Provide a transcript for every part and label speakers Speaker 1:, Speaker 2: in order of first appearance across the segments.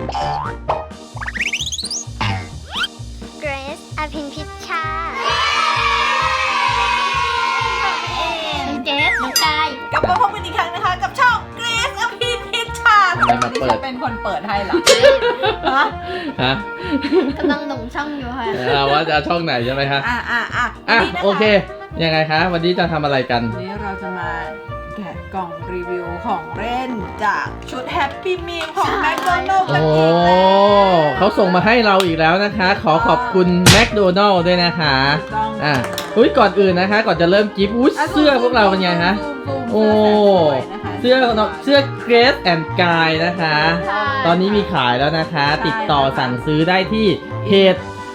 Speaker 1: เกรซอภินพิชชาน้องเกรซน้องกาย
Speaker 2: กลับมาพบกันอีกครั้งนะคะกับช่องเกรซอภินพิชชา
Speaker 3: ทำไมมาเปิด
Speaker 2: ดิฉันเป็นคนเปิดให้เหรอฮะ
Speaker 3: ฮะ
Speaker 1: กำลังหลงช่องอยู่ค่ะ
Speaker 3: ว่าจะเอาช่องไหนใช่ไหมคะ
Speaker 2: วันนี้นะคะ
Speaker 3: โอเคยังไงคะวันนี้จะทำอะไรกัน
Speaker 2: วันนี้เราจะมาแกะกล่องรีวิวของเล่นจากชุดแฮปปี้มีมของแมคโดนัลด์กัน
Speaker 3: โอ้
Speaker 2: อีกแล้ว
Speaker 3: เขาส่งมาให้เราอีกแล้วนะคะ ขอขอบคุณแมคโดนัลด์ด้วยนะคะ
Speaker 2: ถูกต้อง
Speaker 3: อุ้ยก่อนอื่นนะคะ ก่อนจะเริ่มกิฟต์อุ้ยเสื้อพวกเราเป็นไงคะ โอ้เสื้อเกรซแอนด์กายนะคะ ตอนนี้มีขายแล้วนะคะ ติดต่อสั่งซื้อได้ที่เพจ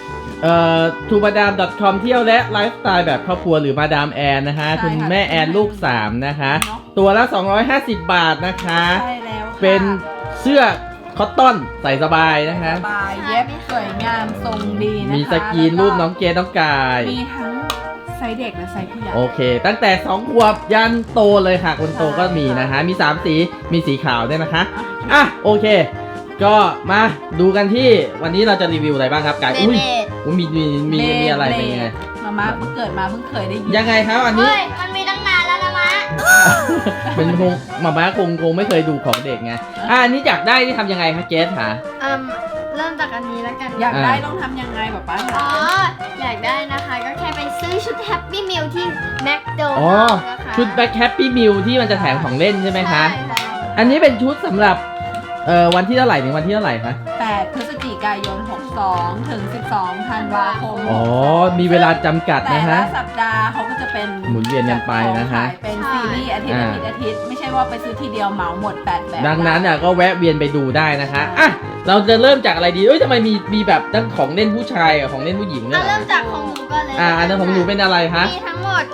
Speaker 3: tumadam.com เที่ยวและไลฟ์สไตล์แบบครอบครัวหรือมาดามแอนนะคะ คุณแม่แอนลูก3นะคะ ตัวละ250 บาทนะคะ
Speaker 2: ใช่แล้วค่ะ
Speaker 3: เป็นเสื้อคอตตอนใส่สบายนะคะ
Speaker 2: สบายเย็บสวยงามทรงดีนะคะ
Speaker 3: มีสกรีนรูปน้องเกรซน้องกาย
Speaker 2: มีทั้งไซส์เด็กและไซส์ผู้ใหญ่
Speaker 3: โอเค ตั้งแต่2ขวบยันโตเลยค่ะ คนโตก็มีนะคะ มี3สีมีสีขาวด้วยนะคะอ่ะโอเค ก็มาดูกันที่วันนี้เราจะรีวิวอะไรบ้างครับกาย
Speaker 1: เบ
Speaker 3: อุ้ย
Speaker 1: เบด
Speaker 3: มีอะไรเป็นยังไง
Speaker 2: มาเพิ่งเกิดมาเพิ่งเคยได้ยิน
Speaker 3: ยังไงครับอันนี้
Speaker 1: เฮ้ยมันมีตั้งนานแล้วนะมะ
Speaker 3: เป็นคงม่าคงไม่เคยดูของเด็กไงอันนี้อยากได้ที่ทำยังไงคะเกสคะ
Speaker 1: เริ่มจากอันนี้แล้วกัน
Speaker 2: อยากได้ต้องทำยังไงป๊า
Speaker 1: อ๋อ
Speaker 2: คะ
Speaker 1: อยากได้นะคะก็แค่ไปซื้อชุดแฮปปี้มิลที่แมคโด
Speaker 3: อ๋อ
Speaker 1: นัลด์นะคะ
Speaker 3: ชุดแบ็คแฮปปี้มิลที่มันจะแถมของเล่นใช่ไหมคะ
Speaker 1: ใช่
Speaker 3: อันนี้เป็นชุดสำหรับวันที่เท่าไหร่ถึงวันที่เท่าไหร่คะ
Speaker 2: 8 พฤศจิกายน 62 ถึง 12 ธันวาคม
Speaker 3: อ๋อมีเวลาจำกัด
Speaker 2: แต่
Speaker 3: นะ
Speaker 2: ละ
Speaker 3: ฮะ
Speaker 2: สัปดาห์เขาก็จะเป็น
Speaker 3: หมุนเวียนกันไปนะคะ
Speaker 2: ขายเป็นซีรีส์อาทิตย์อาทิตย์ไม่ใช่ว่าไปซื้อทีเดียวเหมาหมด8แบบ
Speaker 3: ดังนั้นอ่ะก็แวะเวียนไปดูได้นะคะอ่ะเราจะเริ่มจากอะไรดีเอ้ยทำไมมีแบบทั้งของเล่นผู้ชายกับของเล่นผู้หญิงเนี่ย
Speaker 1: เริ่มจากของหนูก่อนเลย
Speaker 3: อันนั้นของหนูเป็นอะไรคะ
Speaker 1: มีทั้งหมด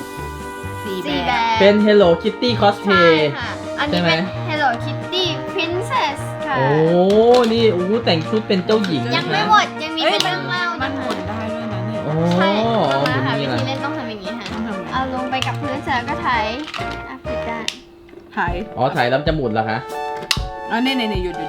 Speaker 2: 4
Speaker 1: 4
Speaker 2: แบ
Speaker 1: แบบ บ
Speaker 3: เป็น Hello Kitty
Speaker 1: ใช่
Speaker 3: Cosplay
Speaker 1: ค่ะ อัน
Speaker 3: ใช่
Speaker 1: นี้
Speaker 3: ไหม
Speaker 1: เป็น Hello Kitty Princess ค่ะ
Speaker 3: โอ้นี่แต่งชุดเป็นเจ้าหญิง
Speaker 1: ยัง
Speaker 3: นะ
Speaker 1: ไม่
Speaker 3: คะ
Speaker 1: หมด ยังมีเป็นเรื่องเล่า
Speaker 2: มั
Speaker 1: นะ
Speaker 2: นห
Speaker 1: คะ
Speaker 2: มุนได้ด้วยนะเนี่ย
Speaker 3: โอ้
Speaker 1: ใช่มา
Speaker 3: หมุ
Speaker 1: ค่ะ
Speaker 3: น
Speaker 1: วิ
Speaker 3: นี่
Speaker 1: ธี
Speaker 3: แหละ
Speaker 1: เล่นต้องทำอย่างนี้ค่ะ
Speaker 2: ต้องทำไง
Speaker 1: เอาลงไปกับพื้นเสร็จแล้วก็ไถปิดได้
Speaker 2: หาย
Speaker 3: อ๋อถ่ายแล้วจะหมุนเหรอคะ
Speaker 2: นี่หยุด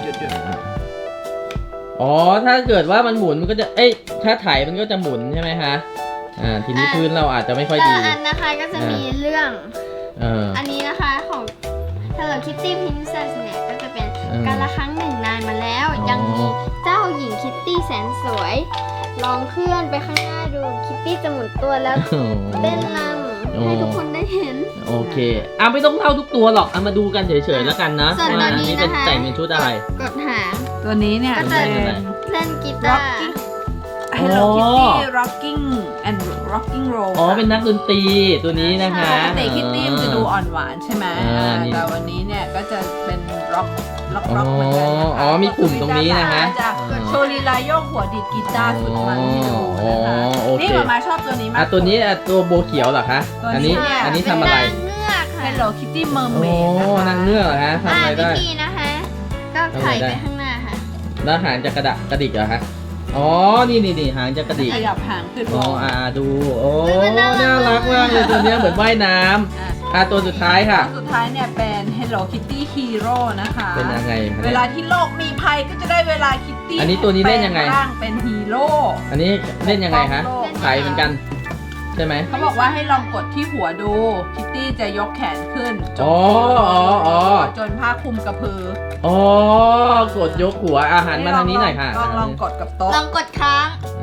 Speaker 3: อ๋อถ้าเกิดว่ามันหมุนมันก็จะเอ้ยถ้าถ่ายมันก็จะหมุนใช่ไหมคะทีนี้พื้นเราอาจจะไม่ค่อย
Speaker 1: แต่
Speaker 3: ดี
Speaker 1: ละอันนะคะก็จะมีเรื่อง อันนี้นะคะของ Hello Kitty Princess เนี่ยก็จะเป็นการละครั้งหนึ่งนานมาแล้ว ยังมีเจ้าหญิงคิตตี้แสนสวย ลองเคลื่อนไปข้างหน้าดูคิตตี้จะหมุนตัวแล้วเต้นรำให้ทุกคนได้เห็น
Speaker 3: โอเคไม่ต้องเล่าทุกตัวหรอกมาดูกันเฉยๆแล้วกันนะ
Speaker 1: ส่วนตัวนี้
Speaker 3: เป็น
Speaker 1: นะคะ
Speaker 3: แต่งเป็นชุดอะไร
Speaker 1: กดหาง
Speaker 2: ตัวนี้เนี่ย
Speaker 1: ก็จะ
Speaker 2: เป็น
Speaker 1: เล่นกีตาร์
Speaker 2: Hello Kitty Rocking and Rocking Roll
Speaker 3: อ๋อเป็นนักดนตรีตัวนี้นะคะ
Speaker 2: ปกติคิตตี้มันจะดูอ่อนหวานใช่ไหม
Speaker 3: นี่
Speaker 2: แต่วันนี้เนี่ยก็จะเป็นร็อกเหมือนกันนะคะ
Speaker 3: อ๋อมีปุ่มตรงนี้นะคะ
Speaker 2: จะโชว์ลีลาโยกหัวดีดกีตาร์สุดมันให้ดูนะคะ
Speaker 3: โอเค
Speaker 2: นี่มาชอบตัวนี้มาก
Speaker 3: ตัวนี้ตัวโบเขียวเหรอคะ
Speaker 2: ตัวนี้
Speaker 3: อันนี้ทำอะไร
Speaker 1: นางเงือกค่ะ
Speaker 2: Hello Kitty
Speaker 3: โอ้
Speaker 2: Mermaid
Speaker 3: นางเงือกเหรอฮะทำอะไร
Speaker 1: วิ
Speaker 3: ได้
Speaker 1: ธีนะคะ ก็ไถไปข้างหน้าค่ะ
Speaker 3: แล้วหางจะกระดิกเหรอคะอ๋อนี่หางจะกระดิก
Speaker 2: ขยับหางขึ้นล
Speaker 3: อ๋อง ดูโอ้
Speaker 1: มันน่ารัก
Speaker 3: น่ารักมากเลยตัวเนี้ยเหมือนว่ายน้ำตัวสุดท้ายค่ะ
Speaker 2: สุดท้ายเนี่ยเป็น Hello Kitty Hero นะคะ
Speaker 3: เป็นยังไงคะ
Speaker 2: เวลาที่โลกมีภัยก็จะได้เวลาคิตตี้
Speaker 3: อันนี้ตัวนี้เล่นยังไง
Speaker 2: แปลร่างเป็นฮีโร่
Speaker 3: อันนี้เล่นยังไงคะถ่ายเหมือนกันใช่ไหม
Speaker 2: เขาบอกว่าให้ลองกดที่หัวดูคิตตี้จะยกแขนขึ้นจน จนผ้าคลุมกระพือ
Speaker 3: กดยกหัวอาหารมาทางนี้หน่อยค่ะ
Speaker 2: ลองกดกับโต๊ะ
Speaker 1: ลองกดค้าง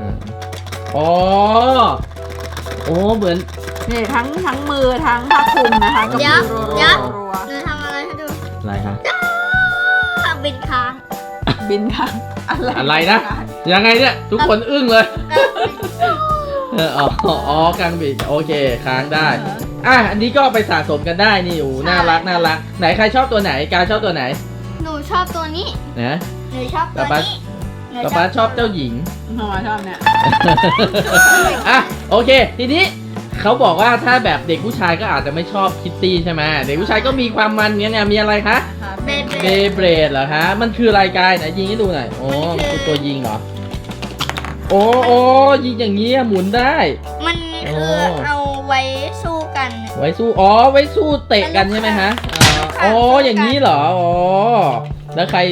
Speaker 3: เหมือน
Speaker 2: นี่ทั้งมือทั้งผ้าคลุมนะคะกระพือรัว
Speaker 1: หนูทำอะไรให้ดู
Speaker 3: อะไรคะ
Speaker 1: บินค้าง
Speaker 2: บินค่ะ
Speaker 3: อะไรนะ ยังไงเนี่ยทุกคนอึ้งเลยกลางบิดโอเคค้างได้อันนี้ก็ไปสะสมกันได้นี่น่ารักไหนใครชอบตัวไหนการชอบตัวไหน
Speaker 1: หนูชอบตัวนี้
Speaker 3: นะ
Speaker 1: หนูชอบตัวนี้
Speaker 3: ป๊าชอบเจ้าหญิง
Speaker 2: น้องชอบเนี่ย
Speaker 3: โอเคทีนี้เขาบอกว่าถ้าแบบเด็กผู้ชายก็อาจจะไม่ชอบคิตตี้ใช่ไหมเด็กผู้ชายก็มีความมันเนี้ยมีอะไรคะ
Speaker 1: เบเบ
Speaker 3: เบเบรดเหรอคะมันคือรายการไหนยิงให้ดูหน่อยมันคือตัวยิงเหรอโอ้ยิงอย่างนี้หมุนได้
Speaker 1: มันคือเอาไว้สู้กัน
Speaker 3: ไว้สู้ไว้สู้เตะกันใช่ไหมฮะอย่างนี้เหรอแล้วใคร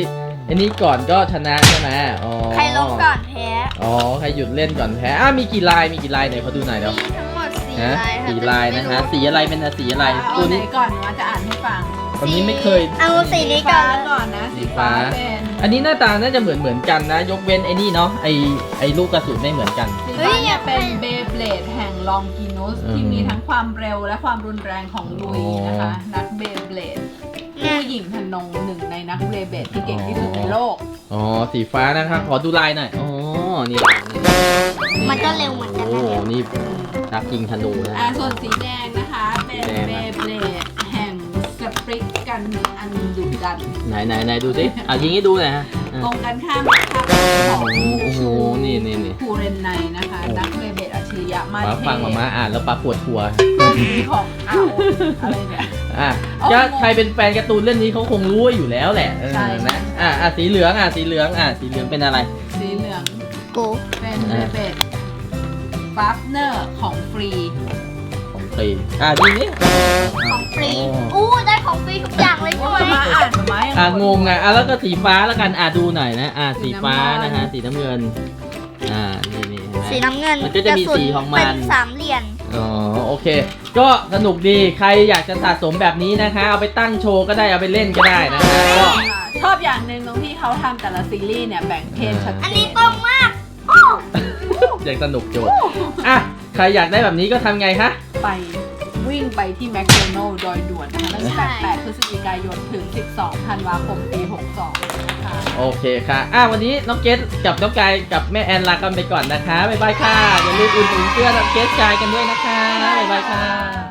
Speaker 3: อันนี้ก่อนก็ชนะใช่ไหมอ๋อ
Speaker 1: ใครลงก่อนแพ้
Speaker 3: อ๋อใครหยุดเล่นก่อนแพ้มีกี่ลายไหนขอดูหน่อยเดี๋ยว
Speaker 1: มีทั้งหมด4
Speaker 3: ฮะ
Speaker 1: ลายค่ะ
Speaker 3: สี่ลายนะคะสีอะไรเป็นสีอะไร
Speaker 2: เอา
Speaker 3: ตัว
Speaker 2: ไหน
Speaker 3: นี้
Speaker 2: ก่อนมาจะอ่านให้ฟัง
Speaker 3: อันนี้ไม่เคย
Speaker 1: เอาสีนี้
Speaker 2: ฟ้า
Speaker 1: ก่อน
Speaker 2: ก่อนนะสีฟ้าเป็น
Speaker 3: อันนี้หน้าตาน่าจะเหมือนกันนะ ยกเว้นไอ้นี่เนาะไอลูกกระสุนไม่เหมือนกัน
Speaker 2: สีฟ้าเนี่ยเป็นเบเบลดแห่งลองกินุสที่มีทั้งความเร็วและความรุนแรงของลุยนะคะ นักเบเบลดผู้หญิงทนงหนึ่งในนักเบเบลดที่เก่งที่สุดในโลก
Speaker 3: อ๋อสีฟ้านะคะขอดูลายหน่อยอ๋อนี่
Speaker 1: มันก็เร็วเหมือนกัน
Speaker 3: โอ้
Speaker 1: นะ
Speaker 3: นี่นักยิงธนูนะ
Speaker 2: ส่วนสีแดงนะคะเป็นเบเบลดแห่งสปริกกันอันดุดัน
Speaker 3: ไหนดูสิยิงให้ดูหน่อยฮะ
Speaker 2: ตรงกันข้ามกับของ
Speaker 3: โอ้โหนี่
Speaker 2: คูเรนไนนะคะ นักเบเบลดอัจฉริยะมา
Speaker 3: มา
Speaker 2: เท
Speaker 3: ฟังมาอ่านแล้วปลาปวดหัว
Speaker 2: ของเอาอะไรเนี่ย
Speaker 3: ก็ใครเป็นแฟนการ์ตูนเรื่องนี้เขาคงรู้อยู่แล้วแหละ
Speaker 2: ใช่
Speaker 3: นะสีเหลืองสีเหลืองเป็นอะไร
Speaker 2: สีเหลือง
Speaker 1: กู
Speaker 2: เป็นเบเบลดพาร์ทเนอร์ของฟรี
Speaker 3: ของฟรีดีนี่
Speaker 1: ของฟรีอู้ได้ของฟรีทุกอย่างเลยใช่ไหม
Speaker 2: มาอ่านมายัง
Speaker 3: งงแล้วก็สีฟ้าแล้วกันดูหน่อยนะสีฟ้านะฮะสีน้ำเงินนี่
Speaker 1: สีน้ำเงิน
Speaker 3: มันก็จะมีสีของมัน
Speaker 1: เป็นสามเหลี่ยม
Speaker 3: อ๋อโอเค ก็สนุกดีใครอยากจะสะสมแบบนี้นะคะ เอาไปตั้งโชว์ก็ได้เอาไปเล่นก็ได้นะคะก็
Speaker 2: ชอบอย่างหนึ่งตรงที่เขาทำแต่ละซีรีส์เนี่ยแบ่งเพศชัดเจน
Speaker 1: อันนี้ตรงมาก
Speaker 3: อยากสนุกโจทย์ใครอยากได้แบบนี้ก็ทำไงคะ
Speaker 2: ไปวิ่งไปที่แมคโดนัลด์โดยด่วนนะคะตั้งแต่8 พฤศจิกายนถึง 12 ธันวาคม ปี 62 นะคะ
Speaker 3: โอเคค่ะวันนี้น้องเกสกับน้องกายกับแม่แอนลากันไปก่อนนะคะบ๊ายบายค่ะอย่าลืมอุ่นเสื้อน้องเกสกายกันด้วยนะคะบ๊ายบายค่ะ